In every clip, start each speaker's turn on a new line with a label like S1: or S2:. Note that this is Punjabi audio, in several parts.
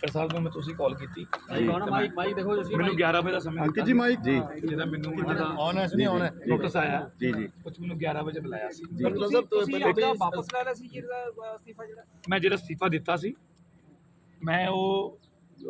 S1: ਸਪੀਕਰ ਸਾਹਿਬ ਨੂੰ ਮੈਂ ਤੁਸੀਂ ਕਾਲ ਕੀਤੀ
S2: ਮਾਈਕ ਦੇਖੋ ਤੁਸੀਂ
S1: ਮੈਨੂੰ 11 ਵਜੇ ਦਾ ਸਮਾਂ ਦਿੱਤਾ
S3: ਜੀ ਮਾਈਕ ਜੀ
S1: ਜਿਹਦਾ ਮੈਨੂੰ
S3: ਆਨ ਹੈ ਨਹੀਂ ਆਨ ਹੈ
S1: ਨੋਟਿਸ ਆਇਆ
S3: ਜੀ ਜੀ
S1: ਕੁਝ ਮੈਨੂੰ 11 ਵਜੇ ਬੁਲਾਇਆ ਸੀ
S2: ਤੁਸੀਂ ਆਪਣਾ ਵਾਪਸ ਲੈ ਲਿਆ ਸੀ ਜਿਹੜਾ ਅਸਤੀਫਾ ਜਿਹੜਾ
S1: ਮੈਂ ਜਿਹੜਾ ਅਸਤੀਫਾ ਦਿੱਤਾ ਸੀ ਮੈਂ ਉਹ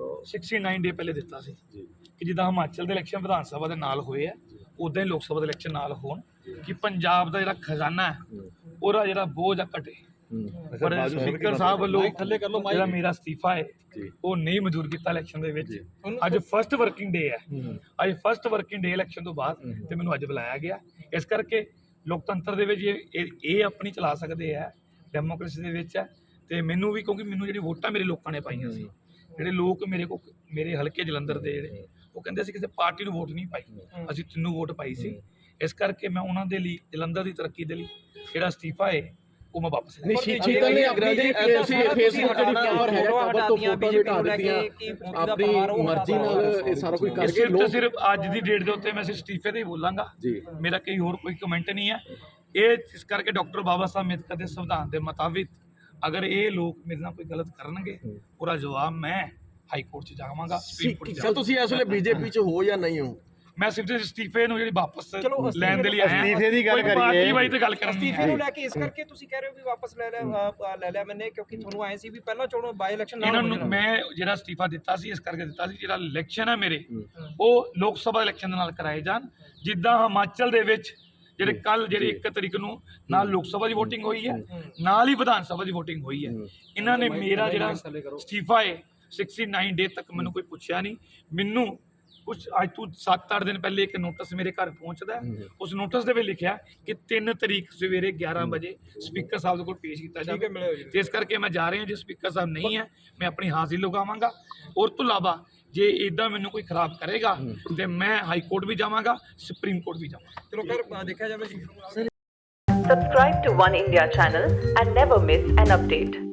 S1: 69 ਡੇ ਪਹਿਲੇ ਦਿੱਤਾ ਸੀ ਕਿ ਜਿੱਦਾਂ ਹਿਮਾਚਲ ਦੇ ਇਲੈਕਸ਼ਨ ਵਿਧਾਨ ਸਭਾ ਦੇ ਨਾਲ ਹੋਏ ਆ ਉਦਾਂ ਹੀ ਲੋਕ ਸਭਾ ਦੇ ਇਲੈਕਸ਼ਨ ਨਾਲ ਹੋਣ ਕਿ ਪੰਜਾਬ ਦਾ ਜਿਹੜਾ ਖਜ਼ਾਨਾ ਹੈ ਉਹਦਾ ਜਿਹੜਾ ਬੋਝ ਆ ਘਟੇ। ਪਰ ਸਪੀਕਰ ਸਾਹਿਬ ਵੱਲੋਂ ਜਿਹੜਾ ਮੇਰਾ ਅਸਤੀਫਾ ਹੈ ਉਹ ਨਹੀਂ ਮਨਜ਼ੂਰ ਕੀਤਾ ਇਲੈਕਸ਼ਨ ਦੇ ਵਿੱਚ। ਅੱਜ ਫਸਟ ਵਰਕਿੰਗ ਡੇ ਹੈ, ਅੱਜ ਫਸਟ ਵਰਕਿੰਗ ਡੇ ਇਲੈਕਸ਼ਨ ਤੋਂ ਬਾਅਦ ਤੇ ਮੈਨੂੰ ਅੱਜ ਬੁਲਾਇਆ ਗਿਆ। ਇਸ ਕਰਕੇ ਲੋਕਤੰਤਰ ਦੇ ਵਿੱਚ ਇਹ ਆਪਣੀ ਚਲਾ ਸਕਦੇ ਆ, ਡੈਮੋਕ੍ਰੇਸੀ ਦੇ ਵਿੱਚ ਹੈ। ਤੇ ਮੈਨੂੰ ਵੀ ਕਿਉਂਕਿ ਮੈਨੂੰ ਜਿਹੜੀ ਵੋਟਾਂ ਮੇਰੇ ਲੋਕਾਂ ਨੇ ਪਾਈਆਂ ਸੀ, ਜਿਹੜੇ ਲੋਕ ਮੇਰੇ ਹਲਕੇ ਜਲੰਧਰ ਦੇ ਜਿਹੜੇ ਉਹ ਕਹਿੰਦੇ ਸੀ ਕਿਸੇ ਪਾਰਟੀ ਨੂੰ ਵੋਟ ਨਹੀਂ ਪਾਈ, ਅਸੀਂ ਤੈਨੂੰ ਵੋਟ ਪਾਈ ਸੀ। ਇਸ ਕਰਕੇ ਮੈਂ ਉਹਨਾਂ ਦੇ ਲਈ ਜਲੰਧਰ ਦੀ ਤਰੱਕੀ ਦੇ ਲਈ ਜਿਹੜਾ ਅਸਤੀਫਾ ਹੈ ਉਹ ਮੈਂ ਵਾਪਸ
S3: ਨਹੀਂ ਸ਼ੀਤਲ ਨੇ ਆਪਣੀ ਤੁਸੀਂ ਫੇਸਬੁੱਕ ਜਿਹੜੀ ਕਵਰ ਹੈ ਕਵਰ ਤੋਂ ਫੋਟੋ ਹਟਾ ਦਿੱਤੀਆਂ ਆਪਣੀ ਮਰਜ਼ੀ ਨਾਲ ਇਹ ਸਾਰਾ ਕੁਝ ਕਰਕੇ
S1: ਲੋਕ ਸਿਰਫ ਅੱਜ ਦੀ ਡੇਟ ਦੇ ਉੱਤੇ ਮੈਂ ਸਿਰਫ ਅਸਤੀਫੇ ਤੇ ਹੀ ਬੋਲਾਂਗਾ, ਮੇਰਾ ਕੋਈ ਹੋਰ ਕੋਈ ਕਮੈਂਟ ਨਹੀਂ ਹੈ। ਇਹ ਇਸ ਕਰਕੇ ਡਾਕਟਰ ਬਾਬਾ ਸਾਹਿਬ ਅੰਬੇਦਕਰ ਦੇ ਸੰਵਿਧਾਨ ਦੇ ਮੁਤਾਬਿਕ ਅਗਰ ਇਹ ਲੋਕ ਮੇਰੇ ਨਾਲ ਕੋਈ ਗਲਤ ਕਰਨਗੇ ਉਹਦਾ ਜਵਾਬ ਮੈਂ ਹਾਈ ਕੋਰਟ 'ਚ ਜਾਵਾਂਗਾ, ਸੁਪਰੀਮ ਕੋਰਟ 'ਚ।
S3: ਤੁਸੀਂ ਇਸ ਵੇਲੇ ਬੀਜੇਪੀ 'ਚ ਹੋ ਜਾਂ ਨਹੀਂ ਹੋ?
S1: ਮੈਂ ਸਿਰਫ ਅਸਤੀਫੇ ਨੂੰ ਜਿਹੜੀ ਵਾਪਸ ਲੈਣ ਦੇ ਲਈ ਆਇਆ।
S3: ਅਸਤੀਫੇ ਦੀ ਗੱਲ ਕਰੀਏ,
S1: ਪਾਰਟੀ ਵਾਈ ਤੇ ਗੱਲ ਕਰਨੀ
S2: ਅਸਤੀਫੇ ਨੂੰ ਲੈ ਕੇ ਇਸ ਕਰਕੇ ਤੁਸੀਂ ਕਹਿ ਰਹੇ ਹੋ ਵੀ ਵਾਪਸ ਲੈ ਲਿਆ ਮੈਨੇ, ਕਿਉਂਕਿ ਤੁਹਾਨੂੰ ਆਏ ਸੀ ਵੀ ਪਹਿਲਾਂ ਚੋਣ ਬਾਈ ਇਲੈਕਸ਼ਨ
S1: ਇਹਨਾਂ ਨੂੰ ਮੈਂ ਜਿਹੜਾ ਅਸਤੀਫਾ ਦਿੱਤਾ ਸੀ ਇਸ ਕਰਕੇ ਦਿੱਤਾ ਸੀ ਜਿਹੜਾ ਇਲੈਕਸ਼ਨ ਹੈ ਮੇਰੇ ਉਹ ਲੋਕ ਸਭਾ ਇਲੈਕਸ਼ਨ ਦੇ ਨਾਲ ਕਰਾਏ ਜਾਣ। ਜਿੱਦਾਂ ਹਿਮਾਚਲ ਦੇ ਵਿੱਚ ਜਿਹੜੇ ਕੱਲ ਜਿਹੜੀ 1 ਤਰੀਕ ਨੂੰ ਨਾਲ ਲੋਕ ਸਭਾ ਦੀ ਵੋਟਿੰਗ ਹੋਈ ਹੈ, ਨਾਲ ਹੀ ਵਿਧਾਨ ਸਭਾ ਦੀ ਵੋਟਿੰਗ ਹੋਈ ਹੈ। ਇਹਨਾਂ ਨੇ ਮੇਰਾ ਜਿਹੜਾ ਅਸਤੀਫਾ ਹੈ 69 ਡੇ ਤੱਕ ਮੈਨੂੰ ਕੋਈ ਪੁੱਛਿਆ ਨਹੀਂ। ਮੈਨੂੰ ਕੁਝ ਅੱਜ ਤੋਂ 7-8 ਦਿਨ ਪਹਿਲੇ ਇੱਕ ਨੋਟਿਸ ਮੇਰੇ ਘਰ ਪਹੁੰਚਦਾ, ਉਸ ਨੋਟਿਸ ਦੇ ਵਿੱਚ ਲਿਖਿਆ ਕਿ 3 ਤਰੀਕ ਸਵੇਰੇ 11 ਵਜੇ ਸਪੀਕਰ ਸਾਹਿਬ ਦੇ ਕੋਲ ਪੇਸ਼ ਕੀਤਾ ਜਾਵੇ। ਜਿਸ ਕਰਕੇ ਮੈਂ ਜਾ ਰਿਹਾ, ਜੇ ਸਪੀਕਰ ਸਾਹਿਬ ਨਹੀਂ ਹੈ ਮੈਂ ਆਪਣੀ ਹਾਜ਼ਰੀ ਲਗਾਵਾਂਗਾ। ਔਰ ਤੋਂ ਇਲਾਵਾ ਜੇ ਇਦਾਂ ਮੈਨੂੰ ਕੋਈ ਖਰਾਬ ਕਰੇਗਾ ਤੇ ਮੈਂ ਹਾਈ ਕੋਰਟ ਵੀ ਜਾਵਾਂਗਾ, ਸੁਪਰੀਮ ਕੋਰਟ ਵੀ ਜਾਵਾਂਗਾ।
S2: ਚਲੋ ਫਿਰ ਦੇਖਿਆ ਜਾਵੇ ਜੀ।
S4: Subscribe to One India channel and never miss an update.